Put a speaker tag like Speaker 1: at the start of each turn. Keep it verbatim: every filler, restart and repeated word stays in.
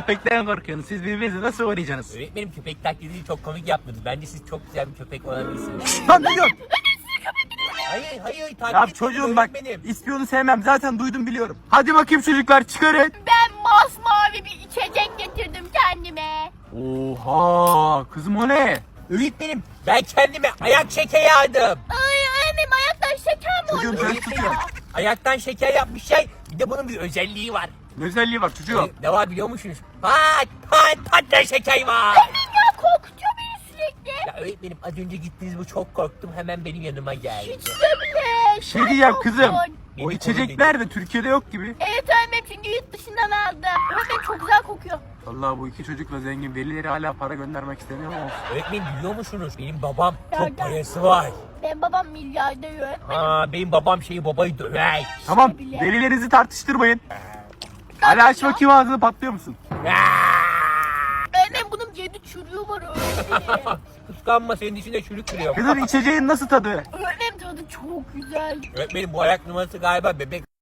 Speaker 1: köpekten korkuyorsunuz. Siz birbirinizi nasıl uğrayacaksınız?
Speaker 2: Öğretmenim köpek taklidini çok komik yaptınız. Bence siz çok güzel bir köpek olabilirsiniz.
Speaker 1: Lan ne diyorsun?
Speaker 2: Hayır hayır taklit
Speaker 1: Ya
Speaker 2: etmedim
Speaker 1: çocuğum bak,
Speaker 2: öğretmenim.
Speaker 1: ispiyonu sevmem. Zaten duydum biliyorum. Hadi bakayım çocuklar, çıkarın.
Speaker 3: Ben masmavi bir içecek getirdim kendime.
Speaker 1: Oha kızım, o ne?
Speaker 2: Öğretmenim ben kendime ayak şekeri aldım.
Speaker 3: Ay annem ayaktan şeker mi
Speaker 1: Çocuğum
Speaker 3: oldu?
Speaker 1: sen
Speaker 2: Öğretmenim,
Speaker 1: tutuyor.
Speaker 2: ayaktan şeker yapmış şey. Bir de bunun bir özelliği var.
Speaker 1: Ne özelliği var çocuğum?
Speaker 2: Ne var biliyor musunuz? Pat pat patlayan şeker var.
Speaker 3: Ya korkutuyor beni sürekli.
Speaker 2: Ya öğretmenim az önce gittiniz bu çok korktum hemen benim yanıma geldi.
Speaker 3: Hiç de bile.
Speaker 1: Şey diyeceğim kızım.
Speaker 3: korktun.
Speaker 1: O içecekler de Türkiye'de yok gibi.
Speaker 3: Evet annem çünkü yurt dışından aldım. Öğretmen çok güzel kokuyor.
Speaker 1: Vallahi bu iki çocukla zengin, velileri hala para göndermek istemiyor ama.
Speaker 2: Öğretmenim biliyor musunuz? Benim babam
Speaker 3: Nereden?
Speaker 2: çok parası var.
Speaker 3: Benim babam milyarder öğretmen.
Speaker 2: Aa, benim babam şeyi babayı döver.
Speaker 1: Tamam,
Speaker 3: bile.
Speaker 1: velilerinizi tartıştırmayın. Hala aç bakayım, ağzını, patlıyor musun?
Speaker 3: Öğretmen bunun yedi çürüğü var öğretmenim.
Speaker 2: Kıskanma senin içinde çürük duruyor.
Speaker 1: Kızım içeceğin nasıl tadı?
Speaker 3: Öğretmenim tadı çok güzel.
Speaker 2: Öğretmenim bu ayak numarası galiba bebek.